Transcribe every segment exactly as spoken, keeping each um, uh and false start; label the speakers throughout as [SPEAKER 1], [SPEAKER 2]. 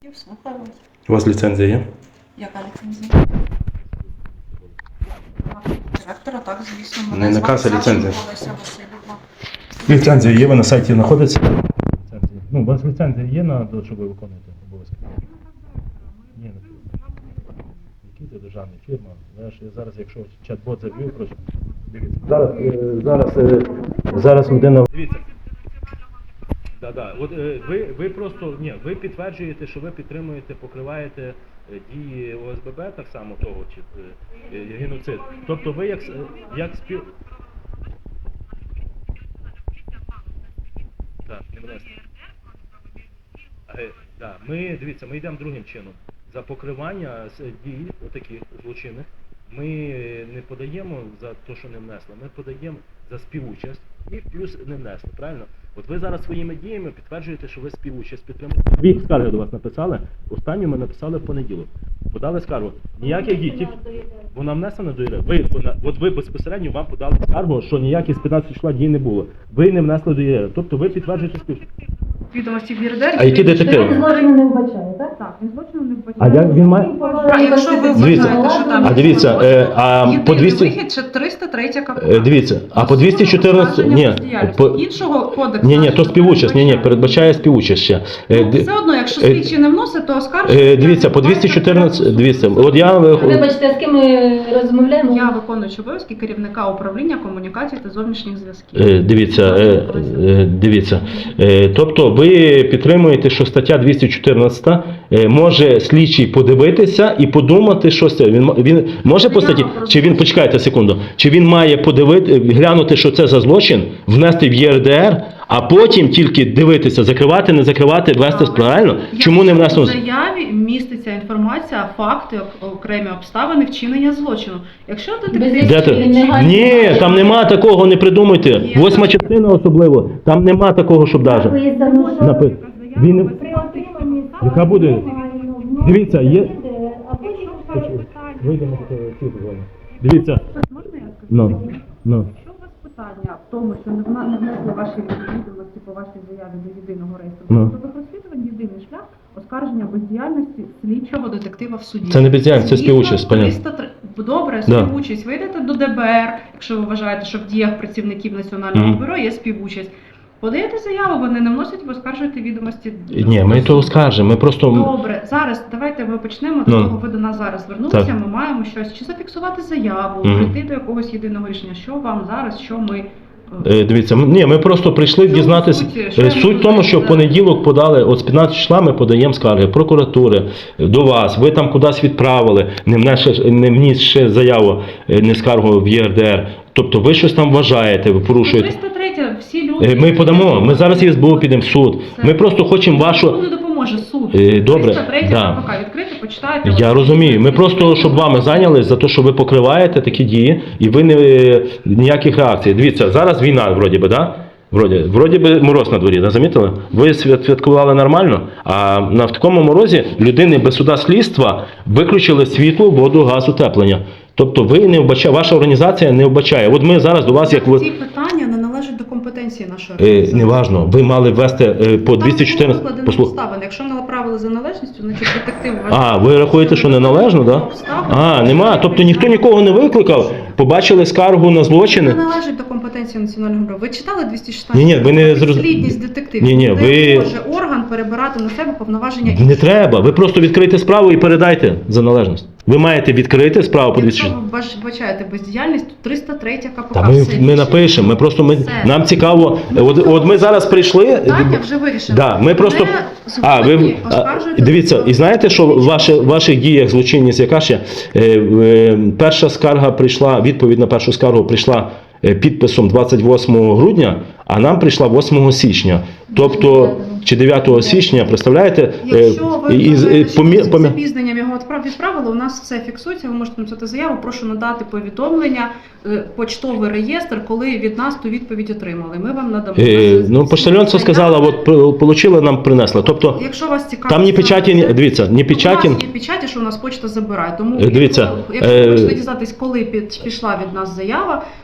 [SPEAKER 1] Слухаю вас.
[SPEAKER 2] У вас ліцензія є?
[SPEAKER 1] Яка ліцензія? Директора, так, звісно.
[SPEAKER 2] Не
[SPEAKER 1] Мене
[SPEAKER 2] наказ, а
[SPEAKER 1] звати
[SPEAKER 2] ліцензія.
[SPEAKER 1] Савченко Олеся Васильівна.
[SPEAKER 2] Ліцензія є, ви на сайті знаходиться? Ліцензія. Ну, у вас ліцензія є на те, щоб ви виконуєте обов'язки? Ні, не Який це державна фірма? Знаєш, я зараз, якщо чат-бот заб'ю, просто дивіться. Зараз, е, зараз, е, зараз людина... Дивіться. Да, да. От е, ви, ви просто, ні, ви підтверджуєте, що ви підтримуєте, покриваєте е, дії О С Б Б, так само того, чи е, е, геноцид. Тобто ви як, с- е, як спів... Так, не внесли. Е, да, ми, дивіться, ми йдемо другим чином. За покривання з- дій отаких злочинних ми не подаємо за те, що не внесли, ми подаємо за співучасть і плюс не внесли, правильно? От ви зараз своїми діями підтверджуєте, що ви співучасть підтримуєте. Дві скарги до вас написали, останню ми написали в понеділок. Подали скаргу. Ніяких дій, тільки... Вона внесена до ЄРЕ. Ви, вона, от ви безпосередньо вам подали скаргу, що ніяких з п'ятнадцятого числа дій не було. Ви не внесли до ЄРЕ. Тобто ви підтверджуєте співучасть.
[SPEAKER 1] Відомості в ЄРДР.
[SPEAKER 2] А які детективи?
[SPEAKER 3] Він злочину не вбачає, так?
[SPEAKER 1] Так, він злочину не
[SPEAKER 2] А
[SPEAKER 1] вбачає.
[SPEAKER 2] як він має...
[SPEAKER 1] А якщо ви
[SPEAKER 2] Дивіться,
[SPEAKER 1] вважаєте, що там...
[SPEAKER 2] а дивіться, е, а по
[SPEAKER 1] єдиний
[SPEAKER 2] двісті...
[SPEAKER 1] вихід – це триста третя КПК.
[SPEAKER 2] Е, Дивіться, а по двісті чотирнадцять... Ні, по...
[SPEAKER 1] Іншого кодексу...
[SPEAKER 2] ні, ні, то співучасть, ні, ні, передбачає співучасть ще. Е,
[SPEAKER 1] Ну,
[SPEAKER 2] ди-
[SPEAKER 1] все одно, якщо
[SPEAKER 2] е,
[SPEAKER 1] слідчий не вносить, то оскаржується...
[SPEAKER 2] е, Дивіться, по двісті чотирнадцять... Дивіться, от я...
[SPEAKER 3] Вибачте, з ким ми розмовляємо?
[SPEAKER 1] Я виконуючий обов'язки керівника управління комунікацій та зовнішніх зв'язків.
[SPEAKER 2] Е, Дивіться, е, е, дивіться. Е, Тобто ви підтримуєте, що стаття двісті чотирнадцять е, може слідчий подивитися і подумати, що це. Він, м- він може по статті, чи він, почекайте секунду, чи він має подивити, глянути, що це за злочин, внести в Є Р Д Р, а потім тільки дивитися, закривати, не закривати, вести правильно? Чому не внесено?
[SPEAKER 1] В заяві міститься інформація, факти, ок- окремі обставини вчинення злочину. Якщо детектив...
[SPEAKER 2] Де ти? Ні, там нема такого, не придумуйте. Восьма частина особливо, там нема такого, щоб даже. Напи- Він не- Яка буде? Дивіться, є... Вийдемо до цього зони. Дивіться.
[SPEAKER 1] Можна я скажу?
[SPEAKER 2] Ну, ну.
[SPEAKER 1] Якщо у вас питання в тому, що не вна- не внесли ваші відомості по вашій заяві до єдиного реєстру,
[SPEAKER 2] Ну.
[SPEAKER 1] то ви розслідування єдиний шлях оскарження бездіяльності слідчого детектива в суді.
[SPEAKER 2] Це не бездіяльність, це співучасть,
[SPEAKER 1] Згідно
[SPEAKER 2] понятно.
[SPEAKER 1] триста три Добре,
[SPEAKER 2] Да.
[SPEAKER 1] співучасть. Ви йдете до Д Б Р, якщо ви вважаєте, що в діях працівників Національного
[SPEAKER 2] Мгм.
[SPEAKER 1] бюро є співучасть. Подаєте заяву, вони не вносять, ви оскаржуєте відомості.
[SPEAKER 2] Ні, ми то скажемо, ми просто...
[SPEAKER 1] Добре, зараз давайте ми почнемо з
[SPEAKER 2] Ну.
[SPEAKER 1] того, ви до нас зараз звернулися,
[SPEAKER 2] Так.
[SPEAKER 1] ми маємо щось, чи зафіксувати заяву,
[SPEAKER 2] Мгм.
[SPEAKER 1] прийти до якогось єдиного рішення. Що вам зараз, що ми...
[SPEAKER 2] Е, Дивіться, ми- ні, ми просто прийшли
[SPEAKER 1] Чому
[SPEAKER 2] дізнатися.
[SPEAKER 1] суть? Що
[SPEAKER 2] Е,
[SPEAKER 1] я
[SPEAKER 2] Суть
[SPEAKER 1] можу
[SPEAKER 2] в тому, що в
[SPEAKER 1] сказати?
[SPEAKER 2] понеділок подали, от з п'ятнадцятого числа ми подаємо скарги прокуратури е, до вас, ви там кудись відправили, не внесши- не внісши заяву, е, не скаргу в Є Р Д Р. Тобто ви щось там вважаєте, ви порушуєте.
[SPEAKER 1] триста третя, всі люди...
[SPEAKER 2] Е, Ми подамо, ми зараз із С Б У підемо в суд. Ми просто хочемо вашу...
[SPEAKER 1] Не допоможе суд.
[SPEAKER 2] Е, добре,
[SPEAKER 1] триста третя
[SPEAKER 2] да.
[SPEAKER 1] КПК, відкрити, почитайте.
[SPEAKER 2] Я розумію. Ми просто, щоб вами зайнялись за те, що ви покриваєте такі дії, і ви не ніяких реакцій. Дивіться, зараз війна, вроді би, да? Вроді, вроді би мороз на дворі, да? Замітили? Ви свят- святкували нормально, а на в такому морозі людини без суда слідства виключили світло, воду, газ, утеплення. Тобто ви не вбачаєте, ваша організація не вбачає. От ми зараз до вас, як ви...
[SPEAKER 1] Ці питання не належать до компетенції нашої
[SPEAKER 2] Е,
[SPEAKER 1] організації.
[SPEAKER 2] неважно, ви мали ввести е, по двісті чотирнадцять...
[SPEAKER 1] Там
[SPEAKER 2] Послух...
[SPEAKER 1] обставини. Якщо не направили за належністю, значить детектив
[SPEAKER 2] А, ви рахуєте, що неналежно, так? Да? А, нема. Тобто ніхто нікого не викликав, побачили скаргу на
[SPEAKER 1] Це
[SPEAKER 2] злочини.
[SPEAKER 1] не належить до компетенції Національного бюро. Ви читали двісті шістнадцять?
[SPEAKER 2] Ні-ні, ви не зроз-
[SPEAKER 1] Підслідність детективів.
[SPEAKER 2] Ні-ні,
[SPEAKER 1] Не
[SPEAKER 2] ви-
[SPEAKER 1] може орган перебирати на себе повноваження
[SPEAKER 2] Не треба, ви просто відкрийте справу і передайте за належність. Ви маєте відкрити справу по двісті
[SPEAKER 1] Якщо
[SPEAKER 2] шістнадцять.
[SPEAKER 1] ви бач- бачаєте бездіяльність, то триста третя КПК.
[SPEAKER 2] Та ми,
[SPEAKER 1] все
[SPEAKER 2] ми
[SPEAKER 1] рішення.
[SPEAKER 2] напишемо, ми просто ми,
[SPEAKER 1] Все.
[SPEAKER 2] нам цікаво. От, от ми зараз прийшли.
[SPEAKER 1] Питання вже вирішено.
[SPEAKER 2] Да, ми просто...
[SPEAKER 1] Не
[SPEAKER 2] А, ви,
[SPEAKER 1] згодні,
[SPEAKER 2] а,
[SPEAKER 1] оскаржуєте
[SPEAKER 2] дивіться, і знаєте, що в ваші, в ваших діях злочинність яка ще? Е, е, перша скарга прийшла, відповідь на першу скаргу прийшла е, підписом двадцять восьмого грудня, а нам прийшла восьмого січня. Тобто, чи дев'ятого січня, представляєте? Е,
[SPEAKER 1] Якщо ви
[SPEAKER 2] і- і-
[SPEAKER 1] вважаєте, що
[SPEAKER 2] помі-
[SPEAKER 1] з
[SPEAKER 2] помі-
[SPEAKER 1] запізненням його відправ- відправили, у нас все фіксується, ви можете написати заяву, прошу надати повідомлення, е, почтовий реєстр, коли від нас ту відповідь отримали. Ми вам надамо.
[SPEAKER 2] Е, ну, поштальонство сказала, от при- получили, нам принесли. Тобто,
[SPEAKER 1] Якщо вас цікавить...
[SPEAKER 2] там ні печаті, ні, дивіться, ні
[SPEAKER 1] У
[SPEAKER 2] печаті.
[SPEAKER 1] нас є печаті, що у нас почта забирає. Тому,
[SPEAKER 2] Е, дивіться,
[SPEAKER 1] якщо, якщо
[SPEAKER 2] е,
[SPEAKER 1] ви хочете дізнатись, коли під, пішла від нас заява,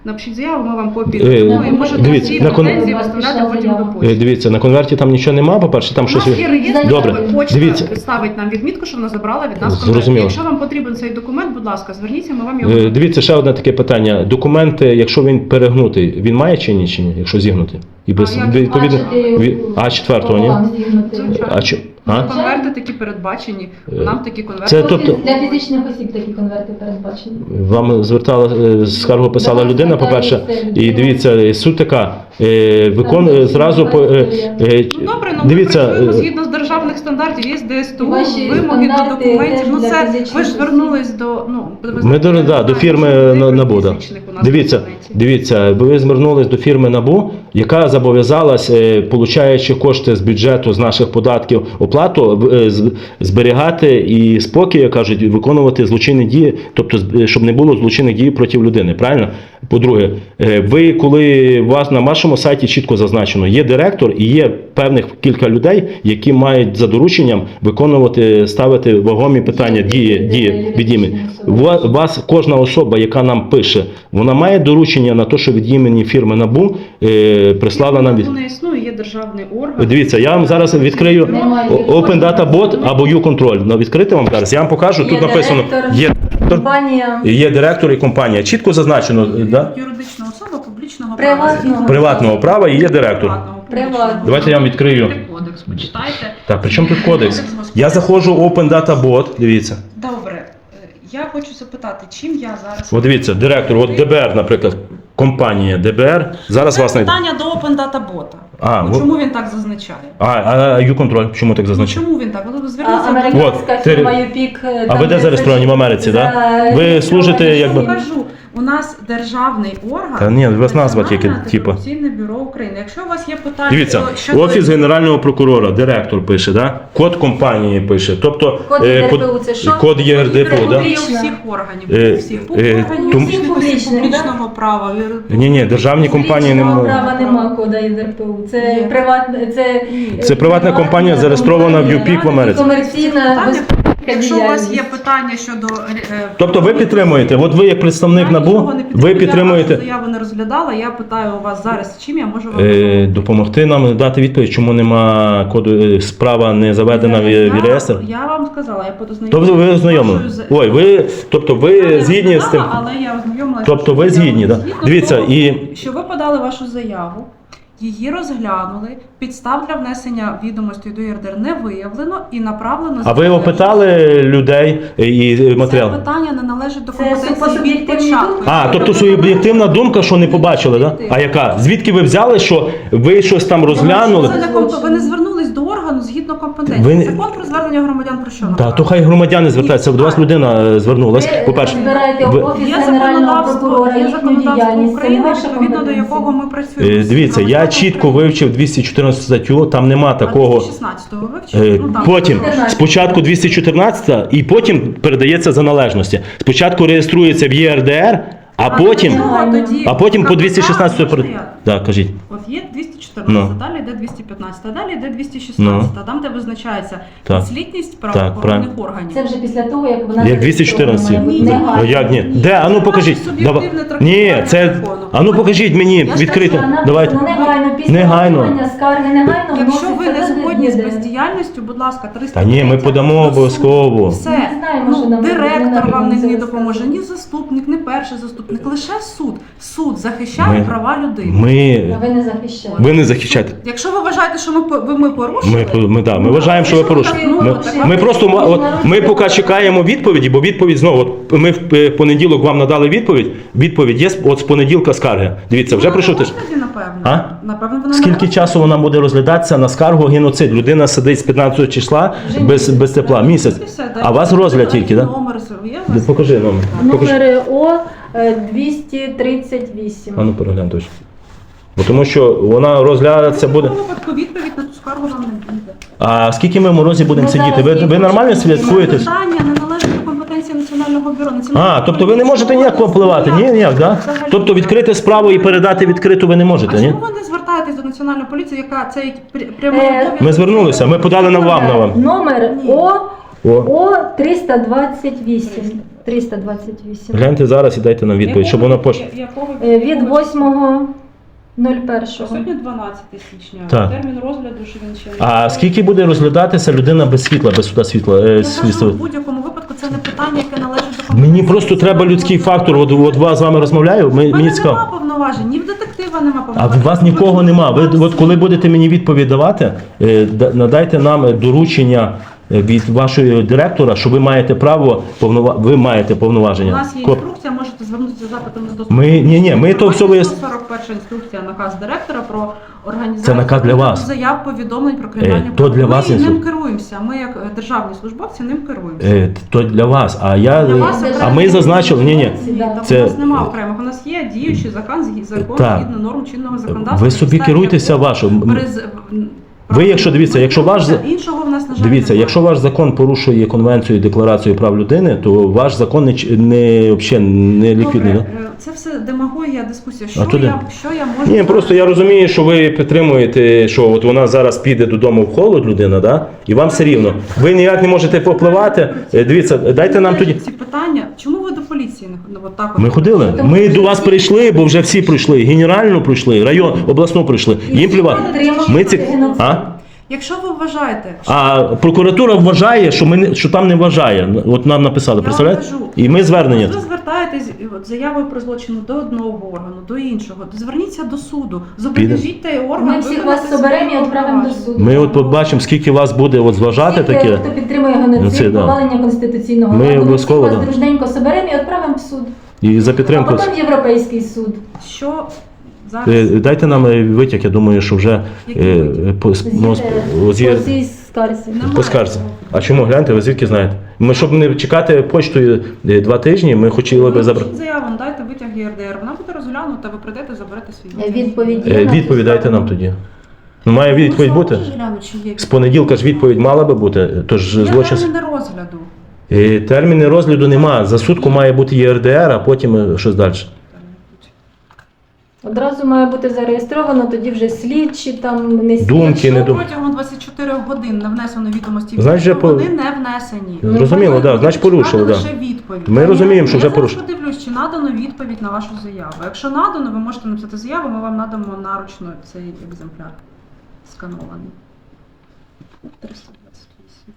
[SPEAKER 1] напишіть заяву, ми вам копії
[SPEAKER 4] Е,
[SPEAKER 1] дамо і можете
[SPEAKER 4] дивіться,
[SPEAKER 1] всі
[SPEAKER 4] на кон-
[SPEAKER 1] претензії виставляти потім до
[SPEAKER 4] Е,
[SPEAKER 1] почти.
[SPEAKER 4] Дивіться, на конверті там нічого нема, по-перше, там
[SPEAKER 1] У
[SPEAKER 4] щось...
[SPEAKER 1] нас є реєстр,
[SPEAKER 4] Добре,
[SPEAKER 1] почта
[SPEAKER 4] дивіться.
[SPEAKER 1] ставить нам відмітку, що вона забрала від нас
[SPEAKER 4] Зрозуміло.
[SPEAKER 1] конверт. Якщо вам потрібен цей документ, будь ласка, зверніться, ми вам його
[SPEAKER 4] Е,
[SPEAKER 1] надамо.
[SPEAKER 4] Дивіться, ще одне таке питання. Документи, якщо він перегнутий, він має чи ні, чи ні, якщо зігнутий? І без,
[SPEAKER 1] як
[SPEAKER 4] відповідно,
[SPEAKER 3] бачити,
[SPEAKER 4] ві- А четвертого, ні?
[SPEAKER 3] пополам зігнути.
[SPEAKER 1] Звичайно.
[SPEAKER 4] А чи... А?
[SPEAKER 1] Конверти такі передбачені,
[SPEAKER 4] Е,
[SPEAKER 1] нам такі конверти.
[SPEAKER 4] це тобто-
[SPEAKER 3] Для фізичних осіб такі конверти передбачені.
[SPEAKER 4] Вам звертала е, скаргу писала
[SPEAKER 3] До вас
[SPEAKER 4] людина, по-перше,
[SPEAKER 3] звертається людина.
[SPEAKER 4] і дивіться, суть така, е, викон е, зразу по е, е,
[SPEAKER 1] Ну добре, ну
[SPEAKER 4] дивіться,
[SPEAKER 1] ми працюємо
[SPEAKER 4] е,
[SPEAKER 1] згідно з державних стандартів, є ДСТУ,
[SPEAKER 3] Ваші
[SPEAKER 1] вимоги до
[SPEAKER 3] стандарти
[SPEAKER 1] документів.
[SPEAKER 3] теж
[SPEAKER 1] Ну
[SPEAKER 3] для
[SPEAKER 1] це
[SPEAKER 3] фізичних
[SPEAKER 1] ви ж
[SPEAKER 3] осіб.
[SPEAKER 1] звернулись до ну ви
[SPEAKER 4] Ми
[SPEAKER 1] знаєте,
[SPEAKER 4] до,
[SPEAKER 1] я
[SPEAKER 4] да,
[SPEAKER 1] не
[SPEAKER 4] до
[SPEAKER 1] знаю,
[SPEAKER 4] фірми
[SPEAKER 1] що
[SPEAKER 4] на-
[SPEAKER 1] про
[SPEAKER 4] НАБУ. Да.
[SPEAKER 1] фізичних у нас
[SPEAKER 4] Дивіться,
[SPEAKER 1] в інтернеті.
[SPEAKER 4] дивіться, ви звернулись до фірми НАБУ, яка зобов'язалась, е, получаючи кошти з бюджету, з наших податків, оплату е, з- зберігати і спокій, як кажуть, виконувати злочинні дії, тобто з- щоб не було злочинних дій проти людини. Правильно? По-друге, е, ви коли у вас на вашому сайті чітко зазначено, є директор і є певних кілька людей, які мають за дорученням виконувати, ставити вагомі питання дії, дії від імені. Ва- Вас кожна особа, яка нам пише, вона має доручення на те, що від імені фірми НАБУ е, прислала нам від.
[SPEAKER 1] Не існує, є державний орган.
[SPEAKER 4] Дивіться, я вам зараз відкрию
[SPEAKER 3] Немає.
[SPEAKER 4] Open Data Bot або U-Control. Ну, відкрити вам зараз. Я вам покажу. Тут
[SPEAKER 3] Є
[SPEAKER 4] написано
[SPEAKER 3] директор,
[SPEAKER 4] є,
[SPEAKER 3] Компанія
[SPEAKER 4] є директор і компанія. Чітко зазначено, да?
[SPEAKER 1] Юридична особа публічного
[SPEAKER 3] Приватного.
[SPEAKER 1] права.
[SPEAKER 4] Приватного права і є директор.
[SPEAKER 1] Приватного,
[SPEAKER 3] Приватного.
[SPEAKER 1] публічного.
[SPEAKER 4] Давайте я вам відкрию.
[SPEAKER 1] Кодекс, почитайте.
[SPEAKER 4] Так, при чому тут кодекс? Я заходжу в Open Data Bot, дивіться.
[SPEAKER 1] Добре, е, я хочу запитати, чим я зараз...
[SPEAKER 4] От дивіться, директор, от ДБР, наприклад, компанія ДБР. Зараз
[SPEAKER 1] Це
[SPEAKER 4] вас знайде.
[SPEAKER 1] питання до Open Data Bot.
[SPEAKER 4] А,
[SPEAKER 1] Ну,
[SPEAKER 4] во-
[SPEAKER 1] чому він так зазначає?
[SPEAKER 4] А, а U-Control, чому так
[SPEAKER 1] Ну,
[SPEAKER 4] зазначено?
[SPEAKER 1] чому він так? Ви
[SPEAKER 3] а,
[SPEAKER 1] зверніться до...
[SPEAKER 3] американська
[SPEAKER 4] От,
[SPEAKER 3] фірма
[SPEAKER 4] ти-
[SPEAKER 3] ЮПІК.
[SPEAKER 4] А ви де зареєстровані в Америці, так? Да? Ви служите
[SPEAKER 1] Я
[SPEAKER 4] якби.
[SPEAKER 1] вам кажу, у нас державний орган.
[SPEAKER 4] Та ні, у вас назва тільки,
[SPEAKER 1] Національне
[SPEAKER 4] типу.
[SPEAKER 1] антикорупційне бюро України. Якщо у вас є питання
[SPEAKER 4] Дивіться,
[SPEAKER 1] щодо-
[SPEAKER 4] офіс генерального прокурора, директор пише, да? Код компанії пише. Тобто
[SPEAKER 3] Код
[SPEAKER 4] е,
[SPEAKER 3] ЄРДПУ це що?
[SPEAKER 4] код ЄРДПУ, да?
[SPEAKER 1] Копії у всіх органів,
[SPEAKER 4] Е,
[SPEAKER 1] у всіх
[SPEAKER 4] е,
[SPEAKER 1] органів,
[SPEAKER 4] тому-
[SPEAKER 1] всіх
[SPEAKER 3] Публічних,
[SPEAKER 1] публічного права.
[SPEAKER 4] Ні, ні, державні компанії не
[SPEAKER 3] Публічного
[SPEAKER 4] можуть.
[SPEAKER 3] права нема кода ЄРДПУ. Це
[SPEAKER 1] Є.
[SPEAKER 3] приватне, це,
[SPEAKER 4] Це приватна компанія, зареєстрована в ЮПІК в Америці.
[SPEAKER 3] Комерційна
[SPEAKER 1] Питання,
[SPEAKER 3] безпека
[SPEAKER 1] Якщо у вас
[SPEAKER 3] діяльність.
[SPEAKER 1] є питання щодо е,
[SPEAKER 4] Тобто ви підтримуєте, от ви як представник
[SPEAKER 1] я
[SPEAKER 4] НАБУ,
[SPEAKER 1] нічого не
[SPEAKER 4] ви
[SPEAKER 1] підтримую, Я
[SPEAKER 4] підтримуєте
[SPEAKER 1] вашу заяву не розглядала. Я питаю у вас зараз, чим я можу вам
[SPEAKER 4] е,
[SPEAKER 1] допомогти.
[SPEAKER 4] допомогти нам дати відповідь, чому нема коду, е, справа не заведена в,
[SPEAKER 1] Я-
[SPEAKER 4] в реєстр?
[SPEAKER 1] Я вам сказала, я
[SPEAKER 4] Тобто ви ознайомлені? Ой, ви, тобто ви згідні з тим?
[SPEAKER 1] Але я ознайомилася.
[SPEAKER 4] Тобто ви згідні, да? Дивіться, і
[SPEAKER 1] Що ви подали вашу заяву, її розглянули, підстав для внесення відомостей до ЄРДР не виявлено і направлено...
[SPEAKER 4] а ви опитали людей і
[SPEAKER 1] Це
[SPEAKER 4] матеріал?
[SPEAKER 1] питання не належить до
[SPEAKER 3] Це
[SPEAKER 1] компетенції від
[SPEAKER 3] суб'єктивні
[SPEAKER 1] початку.
[SPEAKER 3] думки?
[SPEAKER 4] А, тобто суб'єктивна думка, що не побачили, да? А яка? Звідки ви взяли, що ви щось там розглянули?
[SPEAKER 1] Це не комп- Ви не звернулись до органу згідно компетенції.
[SPEAKER 4] Ви не-
[SPEAKER 1] Закон про звернення громадян про що
[SPEAKER 4] Та,
[SPEAKER 1] направляє?
[SPEAKER 4] то хай громадяни звертаються, до вас людина е, звернулась.
[SPEAKER 3] Ви
[SPEAKER 4] По-перше,
[SPEAKER 3] збираєте
[SPEAKER 4] ви-
[SPEAKER 3] офіс
[SPEAKER 1] Є
[SPEAKER 3] генерального
[SPEAKER 1] законодавство,
[SPEAKER 3] прокурора,
[SPEAKER 1] є
[SPEAKER 3] їхню
[SPEAKER 1] законодавство
[SPEAKER 3] діяльність. Це не
[SPEAKER 1] України,
[SPEAKER 3] ваша
[SPEAKER 1] відповідно до
[SPEAKER 3] компетенція.
[SPEAKER 1] якого ми працюємо.
[SPEAKER 4] е, дивіться, я
[SPEAKER 1] Громадян
[SPEAKER 4] чітко
[SPEAKER 1] України.
[SPEAKER 4] вивчив двісті чотирнадцяту статтю, там нема
[SPEAKER 1] А
[SPEAKER 4] такого.
[SPEAKER 1] двісті шістнадцятого вивчили?
[SPEAKER 4] Е,
[SPEAKER 1] Ну, там
[SPEAKER 4] Потім
[SPEAKER 1] трошки.
[SPEAKER 4] спочатку двісті чотирнадцята і потім передається за належності. Спочатку реєструється в ЄРДР, а потім,
[SPEAKER 1] до цього тоді
[SPEAKER 4] а потім по
[SPEAKER 1] КПК,
[SPEAKER 4] двісті шістнадцятій
[SPEAKER 1] можна
[SPEAKER 4] перед...
[SPEAKER 1] я?
[SPEAKER 4] Так, кажіть.
[SPEAKER 1] От є двісті чотирнадцята,
[SPEAKER 4] Ну.
[SPEAKER 1] далі йде двісті п'ятнадцята, далі йде двісті шістнадцята, там де визначається
[SPEAKER 4] Так.
[SPEAKER 1] підслідність
[SPEAKER 4] Так,
[SPEAKER 1] правоохоронних
[SPEAKER 4] правильно.
[SPEAKER 1] органів.
[SPEAKER 3] Це вже після того, як вона
[SPEAKER 4] Як двісті чотирнадцять.
[SPEAKER 3] зареєстрована, має бути
[SPEAKER 4] Ну,
[SPEAKER 3] негайно.
[SPEAKER 4] як ні? Де? А ну покажіть.
[SPEAKER 1] Ваше
[SPEAKER 4] Давай.
[SPEAKER 1] суб'єктивне
[SPEAKER 4] Ні,
[SPEAKER 1] трактування
[SPEAKER 4] це.
[SPEAKER 1] закону.
[SPEAKER 4] А ну покажіть мені
[SPEAKER 1] Я ж
[SPEAKER 4] відкрито.
[SPEAKER 1] кажу,
[SPEAKER 3] Написано
[SPEAKER 4] Давайте.
[SPEAKER 3] негайно, після
[SPEAKER 4] Негайно.
[SPEAKER 3] отримання скарги негайно
[SPEAKER 1] Якщо ви
[SPEAKER 3] вноситься
[SPEAKER 1] не
[SPEAKER 3] до
[SPEAKER 1] згодні з
[SPEAKER 3] ЄРДР.
[SPEAKER 1] бездіяльністю, будь ласка, триста
[SPEAKER 4] Та ні, ми подамо обов'язково.
[SPEAKER 1] Все.
[SPEAKER 3] Ми не знаємо, що
[SPEAKER 1] Ну,
[SPEAKER 3] нам
[SPEAKER 1] директор
[SPEAKER 3] Верховна
[SPEAKER 1] вам не,
[SPEAKER 3] Рада
[SPEAKER 1] не
[SPEAKER 3] це
[SPEAKER 1] допоможе,
[SPEAKER 3] розказує.
[SPEAKER 1] ні заступник, ні перший заступник, лише суд. Суд захищає
[SPEAKER 4] Ми-
[SPEAKER 1] права людини.
[SPEAKER 4] Ми.
[SPEAKER 3] А ви не захищаєте.
[SPEAKER 4] Ви не захищаєте.
[SPEAKER 1] Якщо ви вважаєте, що ми, по- ви, ми порушили,
[SPEAKER 4] Ми, ми, да, ми вважаємо, що ви порушили. Ми, ми просто ма- от, ми поки чекаємо відповіді, бо відповідь знову. От ми в е, понеділок вам надали відповідь. Відповідь є з- от з понеділка скарги. Дивіться, вже пройшов тиждень.
[SPEAKER 1] Тоді, напевно.
[SPEAKER 4] А?
[SPEAKER 1] Напевно, вона
[SPEAKER 4] Скільки
[SPEAKER 1] не
[SPEAKER 4] часу вона буде розглядатися на скаргу геноцид? Людина сидить з п'ятнадцятого числа без, без тепла. Місяць. А у вас розгляд тільки, так?
[SPEAKER 1] Номер є у вас?
[SPEAKER 4] Покажи номер. Покажи.
[SPEAKER 3] Номер О е, двісті тридцять вісім.
[SPEAKER 4] А ну переглянь точно. Бо тому що вона розглядатися буде.
[SPEAKER 1] В випадку відповідь на ту скаргу вам не буде.
[SPEAKER 4] А скільки ми в морозі будемо
[SPEAKER 3] Ну,
[SPEAKER 4] сидіти? Ви,
[SPEAKER 3] зараз
[SPEAKER 4] ви
[SPEAKER 3] є
[SPEAKER 4] нормально
[SPEAKER 3] початку.
[SPEAKER 4] слідкуєте?
[SPEAKER 1] Питання не належить до компетенції Національного бюро. Національне
[SPEAKER 4] А, тобто ви не можете ніяк впливати? Ні, ніяк, да? Тобто відкрити справу і передати відкриту ви не
[SPEAKER 1] А
[SPEAKER 4] можете, ні?
[SPEAKER 1] чому ви не звертаєтесь до Національної поліції, яка цей пря- прямий
[SPEAKER 3] Е,
[SPEAKER 1] обов'язок?
[SPEAKER 4] Ми звернулися, ми подали на вам на вам.
[SPEAKER 3] Номер
[SPEAKER 1] Ні.
[SPEAKER 3] О
[SPEAKER 4] О.
[SPEAKER 3] О триста двадцять вісім. триста двадцять вісім.
[SPEAKER 4] Гляньте зараз і дайте нам відповідь, щоб вона пош...
[SPEAKER 1] Якого
[SPEAKER 3] Е, Від восьмого нуль першого.
[SPEAKER 1] Сьогодні дванадцяте січня.
[SPEAKER 4] Так.
[SPEAKER 1] Термін розгляду, що він ще не
[SPEAKER 4] А
[SPEAKER 1] готовий.
[SPEAKER 4] скільки буде розглядатися людина без світла, без суда світла? Е,
[SPEAKER 1] Я
[SPEAKER 4] світла?
[SPEAKER 1] кажу, в будь-якому випадку це не питання, яке належить до компетенції.
[SPEAKER 4] Мені просто треба людський фактор. От, от вас з вами розмовляю, ми,
[SPEAKER 1] У
[SPEAKER 4] мені
[SPEAKER 1] мене
[SPEAKER 4] цікаво.
[SPEAKER 1] нема повноважень, ні в детектива нема
[SPEAKER 4] А
[SPEAKER 1] повноважень.
[SPEAKER 4] в вас нікого нема. Ви от коли будете мені відповідь давати, е, да- надайте нам доручення е, від вашого директора, що ви маєте право повнова... ви маєте
[SPEAKER 1] У
[SPEAKER 4] повноваження.
[SPEAKER 1] нас є
[SPEAKER 4] Коп-
[SPEAKER 1] інструкція, можете звернутися з запитом з доступу.
[SPEAKER 4] Ми- ні, ні, ми то все вияс-
[SPEAKER 1] сто сорок перша інструкція, наказ директора про організацію
[SPEAKER 4] Це наказ для вас.
[SPEAKER 1] заяв, повідомлень про кримінальні
[SPEAKER 4] Е, то для вас
[SPEAKER 1] Ми ним
[SPEAKER 4] інстру-
[SPEAKER 1] керуємося. Ми як е, державні службовці ним керуємося.
[SPEAKER 4] Е, То для вас. А я
[SPEAKER 1] Для вас
[SPEAKER 4] а
[SPEAKER 1] окремо.
[SPEAKER 4] ми зазначили, ні, ні.
[SPEAKER 1] Ні, так
[SPEAKER 4] Це-
[SPEAKER 1] у нас немає окремих. У нас є діючий закон, згі- закон
[SPEAKER 4] Так.
[SPEAKER 1] згідно норм чинного законодавства.
[SPEAKER 4] Ви собі
[SPEAKER 1] Підставі
[SPEAKER 4] керуйтеся
[SPEAKER 1] якого
[SPEAKER 4] вашим.
[SPEAKER 1] приз-
[SPEAKER 4] Ви, якщо дивіться,
[SPEAKER 1] Ми
[SPEAKER 4] якщо ваш
[SPEAKER 1] керуємося, іншого в нас на жаль
[SPEAKER 4] Дивіться,
[SPEAKER 1] немає.
[SPEAKER 4] якщо ваш закон порушує конвенцію і декларацію прав людини, то ваш закон не ч- не взагалі не ліквідний.
[SPEAKER 1] Добре,
[SPEAKER 4] Да?
[SPEAKER 1] е, це все демагогія, дискусія. Що
[SPEAKER 4] А туди?
[SPEAKER 1] я, що я можу...
[SPEAKER 4] Ні, просто я розумію, що ви підтримуєте, що от вона зараз піде додому в холод, людина, да? І вам все рівно. Ви ніяк не можете попливати. Е, Дивіться, дайте нам тоді.
[SPEAKER 1] Ці питання, чому ви до поліції не ну, от так от?
[SPEAKER 4] Ми ходили. Ми до вас прийшли, бо вже всі пройшли. Генеральну пройшли, район, обласну пройшли. Їм плювати. Ми ці... А?
[SPEAKER 1] Якщо ви вважаєте, що
[SPEAKER 4] А прокуратура вважає, що ми не що там не вважає. От нам написали,
[SPEAKER 1] я вам
[SPEAKER 4] представляєте?
[SPEAKER 1] кажу,
[SPEAKER 4] І ми звернення.
[SPEAKER 1] ви звертаєтесь от, заявою про злочин до одного органу, до іншого, то зверніться до суду, зобов'яжіть той орган.
[SPEAKER 3] Ми всіх
[SPEAKER 1] виконати
[SPEAKER 3] вас соберемо і
[SPEAKER 1] свої
[SPEAKER 3] відправимо до
[SPEAKER 1] повноваження.
[SPEAKER 3] суду.
[SPEAKER 4] Ми от побачимо, скільки вас буде от зважати
[SPEAKER 3] Всіх,
[SPEAKER 4] таке.
[SPEAKER 3] хто підтримує
[SPEAKER 4] Ну, це
[SPEAKER 3] геноцид,
[SPEAKER 4] да.
[SPEAKER 3] повалення конституційного
[SPEAKER 4] Ми
[SPEAKER 3] ладу, ми
[SPEAKER 4] обов'язково,
[SPEAKER 3] всіх вас
[SPEAKER 4] да.
[SPEAKER 3] дружненько соберемо і відправимо в суд.
[SPEAKER 4] І за
[SPEAKER 3] А
[SPEAKER 4] підтримку.
[SPEAKER 3] потім в Європейський суд.
[SPEAKER 1] Що зараз?
[SPEAKER 4] Е, Дайте нам е, витяг, я думаю, що вже
[SPEAKER 1] Який
[SPEAKER 4] е,
[SPEAKER 1] витяг?
[SPEAKER 4] по, ну,
[SPEAKER 3] З'їде
[SPEAKER 4] з- є-
[SPEAKER 3] по цій скарзі.
[SPEAKER 1] Немає.
[SPEAKER 4] по скарзі. А чому? Гляньте, ви звідки знаєте? Ми, щоб не чекати почтою е, два тижні, ми хотіли би забрати.
[SPEAKER 1] Напишіть заяву, дайте витяг ЄРДР, вона буде розглянута, ви прийдете, заберете свій витяг.
[SPEAKER 3] Відповідь.
[SPEAKER 4] Е, Відповідь дайте нам тоді. Ну, має відповідь бути.
[SPEAKER 1] Можеш глянути, чи є
[SPEAKER 4] З понеділка ж відповідь мала би бути, тож
[SPEAKER 1] Є
[SPEAKER 4] злочин.
[SPEAKER 1] терміни розгляду.
[SPEAKER 4] Е, Терміни розгляду нема. За сутку має бути ЄРДР, а потім е, щось далі.
[SPEAKER 3] Одразу має бути зареєстровано, тоді вже слідчі там не слідчі.
[SPEAKER 4] Думки,
[SPEAKER 1] Якщо
[SPEAKER 4] не дум-
[SPEAKER 1] протягом двадцяти чотирьох годин не внесено відомості, в
[SPEAKER 4] Значить,
[SPEAKER 1] бюро,
[SPEAKER 4] вже по-
[SPEAKER 1] вони не внесені.
[SPEAKER 4] Ну, зрозуміло,
[SPEAKER 1] Ви
[SPEAKER 4] да, значить, порушили,
[SPEAKER 1] чекати
[SPEAKER 4] да.
[SPEAKER 1] лише відповідь.
[SPEAKER 4] Ми розуміємо, що вже
[SPEAKER 1] Я
[SPEAKER 4] порушили.
[SPEAKER 1] зараз подивлюсь, чи надано відповідь на вашу заяву. Якщо надано, ви можете написати заяву, ми вам надамо наручно цей екземпляр сканований. триста двадцять вісім.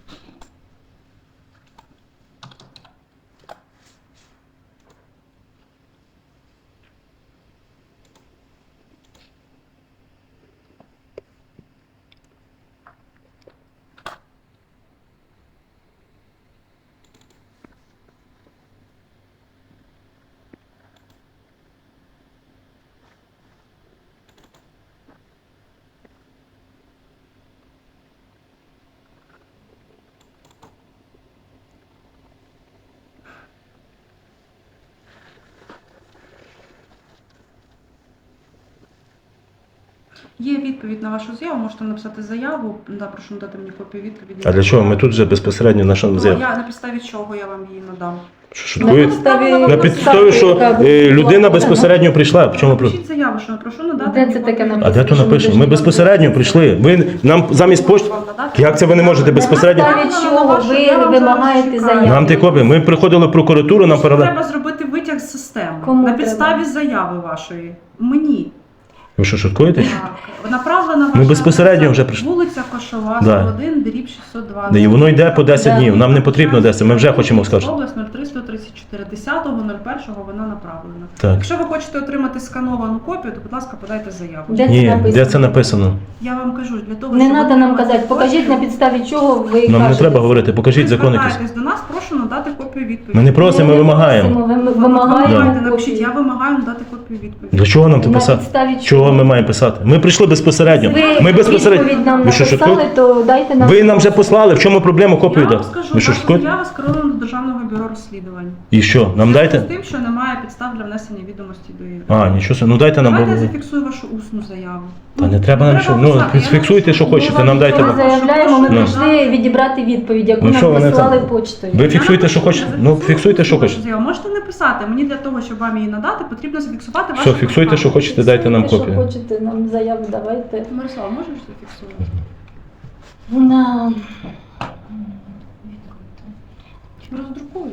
[SPEAKER 1] Є відповідь на вашу заяву, можете написати заяву, да, прошу надати мені копію відповіді.
[SPEAKER 4] А для чого? Ми тут вже безпосередньо наша
[SPEAKER 1] Ну,
[SPEAKER 4] заяву.
[SPEAKER 1] я на підставі чого я вам її надам?
[SPEAKER 4] Що шуткуєте?
[SPEAKER 3] підставі-
[SPEAKER 4] На підставі, що
[SPEAKER 3] яка
[SPEAKER 4] е, людина
[SPEAKER 3] була
[SPEAKER 4] безпосередньо прийшла. В чому про-
[SPEAKER 1] Напишіть заяву, що прошу надати.
[SPEAKER 3] Де
[SPEAKER 1] мені
[SPEAKER 3] це таке
[SPEAKER 1] копію
[SPEAKER 3] написано?
[SPEAKER 4] А де то
[SPEAKER 3] Що ми
[SPEAKER 4] напишемо? Ми
[SPEAKER 3] дуже
[SPEAKER 4] безпосередньо
[SPEAKER 3] добре.
[SPEAKER 4] прийшли. Ви нам замість почти.
[SPEAKER 1] Вам надати?
[SPEAKER 4] Як це ви не можете безпосередньо?
[SPEAKER 3] На підставі чого ви вимагаєте заяву?
[SPEAKER 4] Нам ти копії. Ми приходили в прокуратуру, нам
[SPEAKER 1] Що
[SPEAKER 4] передали.
[SPEAKER 1] треба зробити витяг з системи.
[SPEAKER 3] Кому
[SPEAKER 1] на
[SPEAKER 3] треба?
[SPEAKER 1] підставі заяви вашої. Мені.
[SPEAKER 4] Ви що, шуткуєте?
[SPEAKER 1] Так. Направлена ваша
[SPEAKER 4] Ми безпосередньо
[SPEAKER 1] адреса
[SPEAKER 4] вже прийшли.
[SPEAKER 1] Вулиця Кошова,
[SPEAKER 4] Да.
[SPEAKER 1] сто один, дріб шістсот два.
[SPEAKER 4] І воно йде по десять
[SPEAKER 3] Да.
[SPEAKER 4] днів. Нам не потрібно десять. Ми вже хочемо скажати.
[SPEAKER 1] Область нуль три сто тридцять чотири. десятого першого вона направлена.
[SPEAKER 4] Так.
[SPEAKER 1] Якщо ви хочете отримати скановану копію, то, будь ласка, подайте заяву.
[SPEAKER 3] Де це
[SPEAKER 4] Ні,
[SPEAKER 3] написано?
[SPEAKER 4] де це написано?
[SPEAKER 1] Я вам кажу, для того,
[SPEAKER 3] Не
[SPEAKER 1] щоб
[SPEAKER 3] треба нам
[SPEAKER 1] отримати
[SPEAKER 3] казати, покажіть на
[SPEAKER 1] копію,
[SPEAKER 3] підставі чого ви
[SPEAKER 4] Нам не
[SPEAKER 3] кажете.
[SPEAKER 4] треба говорити, покажіть
[SPEAKER 1] ви
[SPEAKER 4] закон якийсь.
[SPEAKER 1] звертаєтесь до нас, прошу надати копію відповіді.
[SPEAKER 4] Ми не просимо, ми
[SPEAKER 3] не
[SPEAKER 4] вимагаємо.
[SPEAKER 3] просимо, ви- ми
[SPEAKER 1] Ви
[SPEAKER 3] вимагаємо
[SPEAKER 1] вимагаєте,
[SPEAKER 3] копію.
[SPEAKER 1] напишіть, я вимагаю надати копію відповіді.
[SPEAKER 4] Для чого нам це
[SPEAKER 3] На
[SPEAKER 4] писати?
[SPEAKER 3] підставі
[SPEAKER 4] Чого ми маємо писати? Ми прийшли безпосередньо.
[SPEAKER 3] Ви
[SPEAKER 4] Ми безпосередньо.
[SPEAKER 3] відповідь нам
[SPEAKER 4] Ви що,
[SPEAKER 3] написали,
[SPEAKER 4] шуткуєте?
[SPEAKER 3] то дайте нам.
[SPEAKER 4] Ви нам вже послали, в чому проблема копію
[SPEAKER 1] Я вам
[SPEAKER 4] дати?
[SPEAKER 1] скажу,
[SPEAKER 4] Ви що,
[SPEAKER 1] ваша
[SPEAKER 4] шуткуєте?
[SPEAKER 1] заява скерована до Державного бюро розслідувань.
[SPEAKER 4] І що, нам
[SPEAKER 1] З
[SPEAKER 4] дайте?
[SPEAKER 1] тим, що немає підстав для внесення відомості до її.
[SPEAKER 4] А, нічого собі. Ну дайте нам.
[SPEAKER 1] Давайте я
[SPEAKER 4] бо-
[SPEAKER 1] зафіксую вашу усну заяву.
[SPEAKER 4] Та не треба нам що. Ну,
[SPEAKER 1] писати, я
[SPEAKER 4] фіксуйте,
[SPEAKER 1] напишу.
[SPEAKER 4] що хочете,
[SPEAKER 1] Ми
[SPEAKER 4] нам
[SPEAKER 1] вам
[SPEAKER 4] дайте.
[SPEAKER 3] Ми
[SPEAKER 1] нічого не
[SPEAKER 3] заявляємо, ми
[SPEAKER 1] прошу.
[SPEAKER 3] прийшли відібрати відповідь, яку
[SPEAKER 4] Ну, що
[SPEAKER 3] нам
[SPEAKER 4] вони
[SPEAKER 3] послали
[SPEAKER 4] там?
[SPEAKER 3] почтою.
[SPEAKER 4] Ви
[SPEAKER 1] Я
[SPEAKER 4] фіксуйте, що
[SPEAKER 1] напишу,
[SPEAKER 4] хочете.
[SPEAKER 1] я
[SPEAKER 4] Ну,
[SPEAKER 1] зафіксую
[SPEAKER 4] фіксуйте, що
[SPEAKER 1] вашу
[SPEAKER 4] хочете.
[SPEAKER 1] заяву. Можете не писати. Мені для того, щоб вам її надати, потрібно зафіксувати вашу
[SPEAKER 4] Все, фіксуйте, що хочете, дайте нам
[SPEAKER 3] Фіксуйте,
[SPEAKER 4] копію.
[SPEAKER 3] Що хочете, нам заяву давайте.
[SPEAKER 1] Мирослав, можеш зафіксувати?
[SPEAKER 3] На...
[SPEAKER 1] Чи роздрукуєш?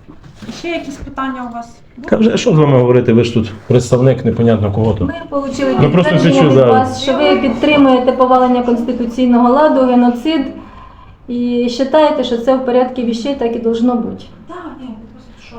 [SPEAKER 1] Ще якісь питання у вас?
[SPEAKER 4] Та вже що з вами говорити? Ви ж тут представник непонятно кого то.
[SPEAKER 3] Ми отримали
[SPEAKER 4] Ну, просто
[SPEAKER 3] підтвердження
[SPEAKER 4] кричу
[SPEAKER 3] від
[SPEAKER 4] за-
[SPEAKER 3] вас, що ви підтримуєте повалення конституційного ладу, геноцид і вважаєте, що це в порядку вещей так і должно бути.
[SPEAKER 1] Так, ні, просто що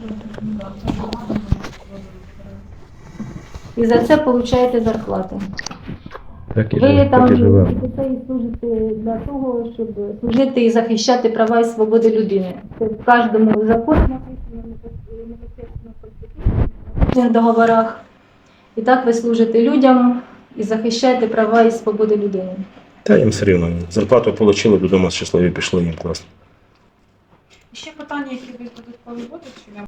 [SPEAKER 3] І за це отримуєте зарплати.
[SPEAKER 4] Так і
[SPEAKER 3] Ви
[SPEAKER 4] живе,
[SPEAKER 3] там
[SPEAKER 4] так і живе.
[SPEAKER 3] сидите і служите для того, щоб служити і захищати права і свободи людини. Це в кожному законі написано, непосередньо в конституційних договорах. І так ви служите людям і захищаєте права і свободи людини.
[SPEAKER 4] Та їм все рівно. Зарплату отримали, додому щасливі пішли, їм класно.
[SPEAKER 1] Ще питання, які ви додаткові будуть, чи я